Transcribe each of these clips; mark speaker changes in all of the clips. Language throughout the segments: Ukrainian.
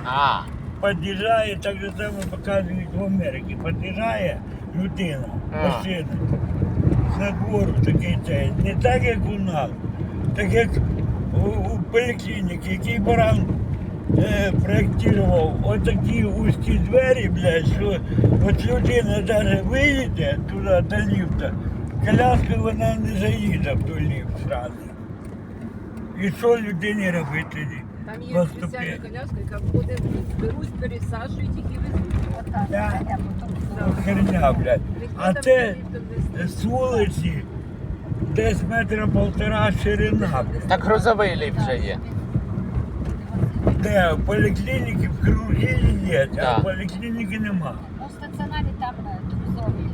Speaker 1: А,
Speaker 2: Під'їжджає, так же само показують в Америці. Під'їжджає людина, машина, на двору такий цей. Не так, як у нас, так як у поліклініці, який баран проєктував отакі вузькі двері, блядь, що от людина навіть виїде туди до ліфта, коляскою вона не заїде в той ліфт зразу. І що людині робити тоді?
Speaker 3: Там є
Speaker 2: Поступи.
Speaker 3: спеціальна коляска, яка входить, беруть, пересаджують їх і везуть.
Speaker 2: Да. Херня, блядь. А це з вулиці десь метра полтора ширина, блядь.
Speaker 1: так грузовий ліфт вже є.
Speaker 2: Де в поліклініці в хірургії є, а
Speaker 1: Да.
Speaker 2: в поліклініки нема.
Speaker 4: Ну, в стаціонарі там друзові.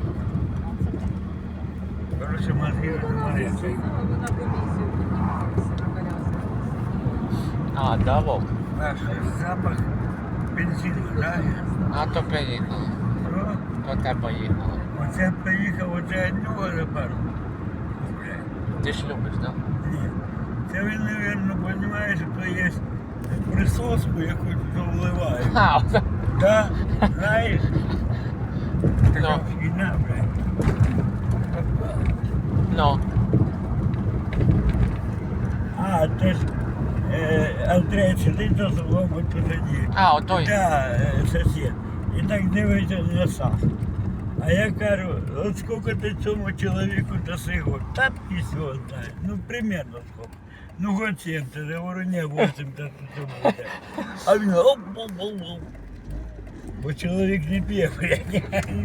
Speaker 2: Короче, мозги розморяться.
Speaker 3: Вона комісію піднімалася на коляску.
Speaker 1: А, да, Вов?
Speaker 2: Наш запах бензину, да?
Speaker 1: А то поїхали.
Speaker 2: Що?
Speaker 1: То те поїхали.
Speaker 2: Оце поїхав, оце одного тепер. Блядь.
Speaker 1: Ти ж любиш, так? Да?
Speaker 2: Ні. Це він, мабуть, розуміє, що то є присоску, яку тут вливають.
Speaker 1: А, оце.
Speaker 2: Да? Знаєш? Така
Speaker 1: Ну.
Speaker 2: фігня, блядь.
Speaker 1: Ну.
Speaker 2: А, це ж Андрей сидить за столом, от посаді.
Speaker 1: А, отой.
Speaker 2: Да, сусід. І так дивиться на сам. А я кажу, от скільки ти цьому чоловіку даси год? Та пісь його знає. Ну, примерно скільки. Ну, год 70, я говорю, не, 80 це буде. А він оп. Бо чоловік не п'є, блядь.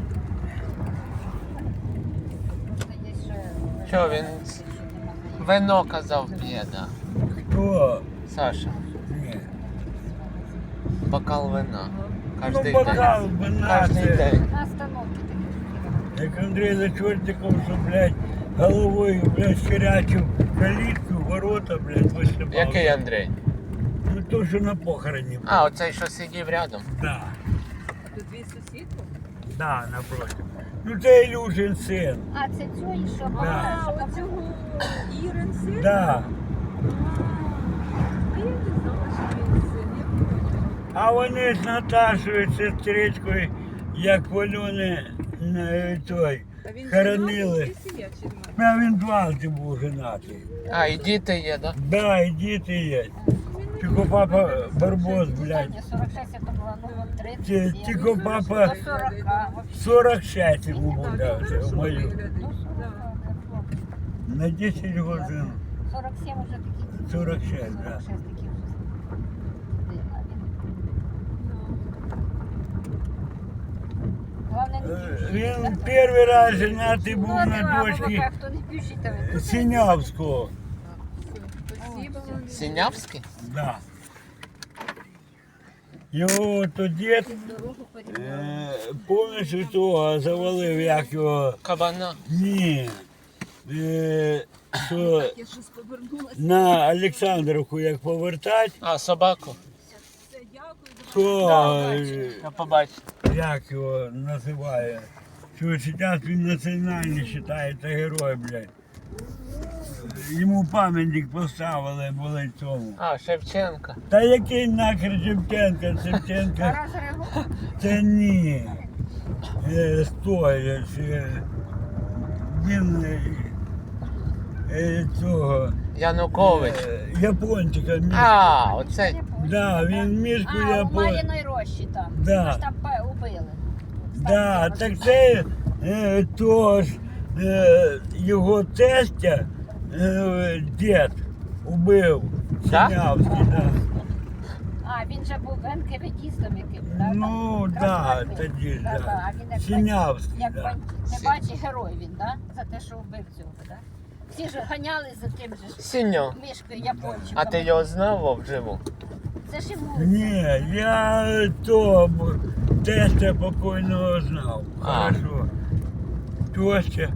Speaker 1: Що він вино казав п'є, да.
Speaker 2: Хто?
Speaker 1: Саша,
Speaker 2: Ні.
Speaker 1: бокал вина.
Speaker 2: Ну,
Speaker 1: Кожний
Speaker 2: бокал
Speaker 1: день.
Speaker 2: вина,
Speaker 1: Кожний
Speaker 2: це...
Speaker 1: день.
Speaker 4: На остановці такі.
Speaker 2: Як Андрій за чортиком, що, блядь, головою, блядь, херячив калітку, ворота, блядь, висипав.
Speaker 1: Який Андрій?
Speaker 2: Ну, то, що на похороні.
Speaker 1: А, оцей, що сидів рядом.
Speaker 2: Да,
Speaker 3: А тут твій сусід?
Speaker 2: да, напротив. Ну, це Ілюшин син.
Speaker 4: А, це цього, що
Speaker 2: Да.
Speaker 3: А, оцього Ірин син?
Speaker 2: Да.
Speaker 3: А я не знала, що він син. Я побачила.
Speaker 2: А вони з Наташою, сестричкою, як Вальони той,
Speaker 3: Та він
Speaker 2: хоронили.
Speaker 3: женатий чи сім'я, чи немає?
Speaker 2: А він дважди був женатий.
Speaker 1: А, і діти є, да?
Speaker 2: Да, і діти є. Тільки папа Барбос, блядь.
Speaker 4: 46 це було, ну, от 30.
Speaker 2: Тільки папа
Speaker 4: До 40.
Speaker 2: 46 йому був, да,
Speaker 3: Ну,
Speaker 2: це
Speaker 3: хорошо
Speaker 2: мою.
Speaker 3: виглядить.
Speaker 4: Ну, 40,
Speaker 3: Да.
Speaker 4: да, хлопці.
Speaker 2: На 10 годин.
Speaker 4: 47 вже такі.
Speaker 2: 46, да.
Speaker 4: 46 такі вже. Главне, не п'ющий.
Speaker 2: Він перший раз женатий був
Speaker 4: Ну,
Speaker 2: на
Speaker 4: нема,
Speaker 2: дочці
Speaker 4: бабака, хто не п'ющий, то ви.
Speaker 2: Синявського.
Speaker 3: Спасибо вам.
Speaker 1: Синявський?
Speaker 2: Да. Його то дід
Speaker 4: Дорогу порівняли.
Speaker 2: повністю того завалив, як його.
Speaker 1: Кабана.
Speaker 2: Ні. Що
Speaker 3: Я щось повернулася.
Speaker 2: на Олександрівку як повертати,
Speaker 1: А, собаку?
Speaker 3: Все, дякую.
Speaker 2: то
Speaker 1: Я побачив.
Speaker 2: як його називає. Що зараз він національний вважається герой, блядь. Йому пам'ятник поставили, були цьому.
Speaker 1: А, Шевченка.
Speaker 2: Та який нахер Шевченка? Шевченка
Speaker 4: Тарас Григорій.
Speaker 2: це ні. Стой, він цього
Speaker 1: Янукович.
Speaker 2: япончика мішку.
Speaker 1: А, оцей.
Speaker 2: Да, він мішку
Speaker 4: А, у
Speaker 2: япончика.
Speaker 4: Мар'їної рощі там.
Speaker 2: Да.
Speaker 4: Ми ж там убили.
Speaker 2: Да, так це то ж його тестя дід убив.
Speaker 1: Да?
Speaker 2: Синявський, да.
Speaker 4: А, він же був НКВДістом яким, так?
Speaker 2: Ну, да, тоді ж, да.
Speaker 4: А він як
Speaker 2: Синявський,
Speaker 4: як
Speaker 2: да.
Speaker 4: не бачить герой він, да? За те, що вбив цього, да? Всі ж ганяли за тим же ж
Speaker 1: Синьо.
Speaker 4: мішкою япончиком.
Speaker 1: А ти його знав вовживу?
Speaker 4: Це ж йому.
Speaker 2: Ні, я то тестя покойного знав.
Speaker 1: А.
Speaker 2: Хорошо. Тостя,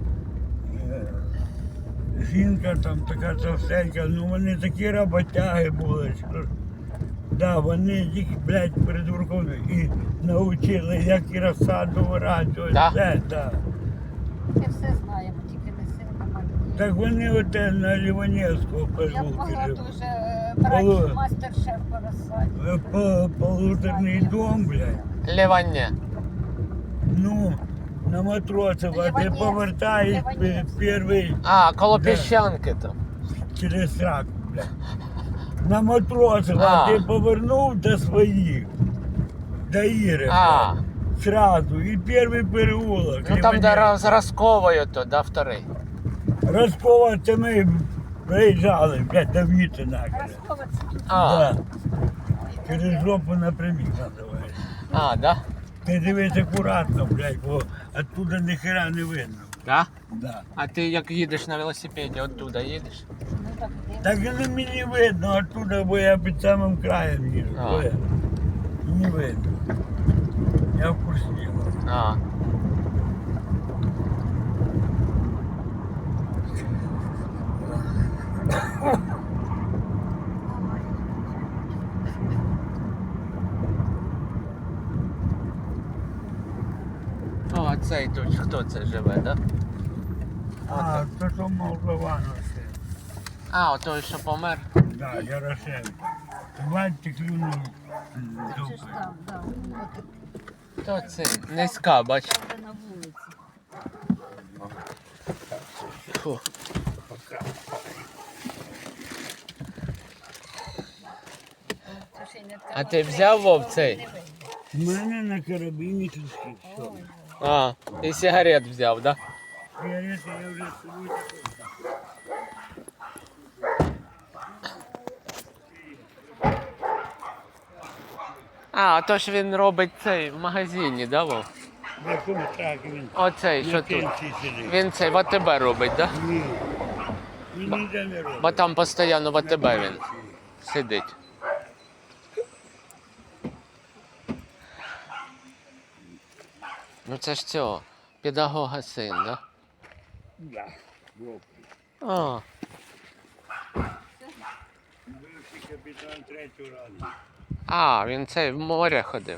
Speaker 2: жінка там така товстенька, ну вони такі роботяги були, що да, вони їх, блядь, придурком і навчили, як і розсаду вирощувати.
Speaker 1: Да?
Speaker 2: Все, да.
Speaker 4: Ми все знаємо, тільки не сильно малі.
Speaker 2: Так вони оте на Ліванівського
Speaker 4: Я б
Speaker 2: переулку
Speaker 4: могла
Speaker 2: живуть.
Speaker 4: дуже брати мастер-шеф по розсаді.
Speaker 2: Полуторний дом, блядь.
Speaker 1: Лівання.
Speaker 2: Ну, на Матросова, ти
Speaker 4: Ливанець.
Speaker 2: повертаєш
Speaker 4: Ливанець.
Speaker 2: перший
Speaker 1: А, коло
Speaker 2: Да.
Speaker 1: піщанки там.
Speaker 2: через сраку, блядь. На Матросова
Speaker 1: А.
Speaker 2: ти повернув до своїх, до Іри,
Speaker 1: А,
Speaker 2: блядь, сразу. І перший переулок.
Speaker 1: ну там де
Speaker 2: Ліванець.
Speaker 1: з Росковою то, да, вторий.
Speaker 2: Роскова, це ми приїжджали, блядь, до Вітина.
Speaker 4: Розховець тут.
Speaker 1: А,
Speaker 2: Да. Через жопу напрямик називається.
Speaker 1: а, да?
Speaker 2: Ти дивись акуратно, блядь, бо оттуда ніхера не видно.
Speaker 1: Да?
Speaker 2: Да.
Speaker 1: А ти як їдеш на велосипеді, оттуда їдеш?
Speaker 4: Ну так дивно.
Speaker 2: Так і не мені видно оттуда, бо я під самим краєм їжу.
Speaker 1: А.
Speaker 2: бо не видно. Я в курсі діла.
Speaker 1: А. О, а цей тут хто це живе, да?
Speaker 2: А, то що Молдавановське.
Speaker 1: А, той, що помер.
Speaker 2: Да, Ярошенко. Бачите, клюнув
Speaker 4: Це ж
Speaker 2: дупи.
Speaker 4: там, да. От
Speaker 1: То це низька, бач.
Speaker 4: там, де на вулиці.
Speaker 1: Фу.
Speaker 4: Це ще й не
Speaker 1: А ти взяв, Вов, цей?
Speaker 4: Не видно.
Speaker 2: У мене на карабіні трішки все.
Speaker 1: А, і сигарет взяв, да?
Speaker 2: Сигарети я вже собі.
Speaker 1: А, то ж він робить цей в магазині, да, Вов?
Speaker 2: В якому так він
Speaker 1: Оцей,
Speaker 2: на
Speaker 1: що тут.
Speaker 2: пенсії сидить.
Speaker 1: Він цей в АТБ робить, да?
Speaker 2: Ні. Він ніде не робить.
Speaker 1: Бо там постійно в АТБ він сидить. Ну це ж цього, педагога син, да?
Speaker 2: Да. Вовк.
Speaker 1: А,
Speaker 2: Бивший капітан третього разу.
Speaker 1: а, він цей в море ходив.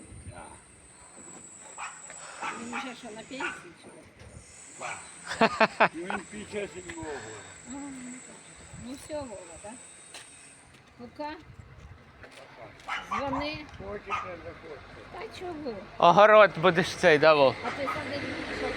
Speaker 4: Він вже що на пенсії? чи що?
Speaker 2: Він 57-го.
Speaker 4: Ну все, Вова, так? Пока. Дзвони.
Speaker 2: Хочете, заходьте.
Speaker 4: Та чого?
Speaker 1: Огород будеш цей, да, Вов?
Speaker 4: А ти сади, що?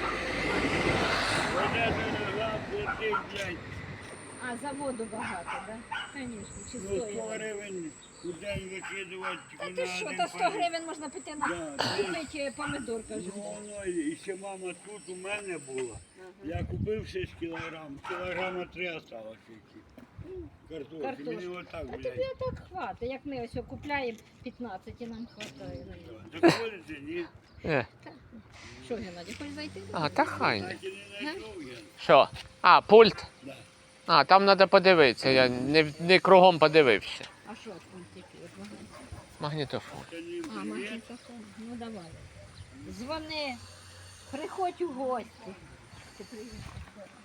Speaker 2: Вода не лежав, платив, блядь.
Speaker 4: А, заводу багато, так? Звісно, чи
Speaker 2: Ну, 100
Speaker 4: стоїть.
Speaker 2: гривень у день викидувати
Speaker 4: Та
Speaker 2: тільки
Speaker 4: ти
Speaker 2: на
Speaker 4: що,
Speaker 2: один
Speaker 4: та 100
Speaker 2: палець.
Speaker 4: гривень можна піти на
Speaker 2: Да,
Speaker 4: купити помидор, кажу.
Speaker 2: Ну, воно, і ще мама тут у мене була. Я купив 6 кілограм, кілограма 3 осталось тільки. Картошки.
Speaker 4: Картошки.
Speaker 2: Мені отак,
Speaker 4: А
Speaker 2: блядь.
Speaker 4: тобі так хватить, як ми ось купляємо 15 і нам хватає.
Speaker 2: Доходите, ні?
Speaker 4: Що, Геннадій, хочеш зайти?
Speaker 1: А, та хай.
Speaker 2: Так і не знайшов я.
Speaker 1: Що? А, пульт?
Speaker 2: Да.
Speaker 1: А, там треба подивитися, я не кругом подивився.
Speaker 4: А що там тільки? От вона.
Speaker 1: Магнітофон.
Speaker 2: Це не
Speaker 4: А,
Speaker 2: привіт.
Speaker 4: магнітофон. Ну давай. Дзвони, приходь у гості. Ти приїхав.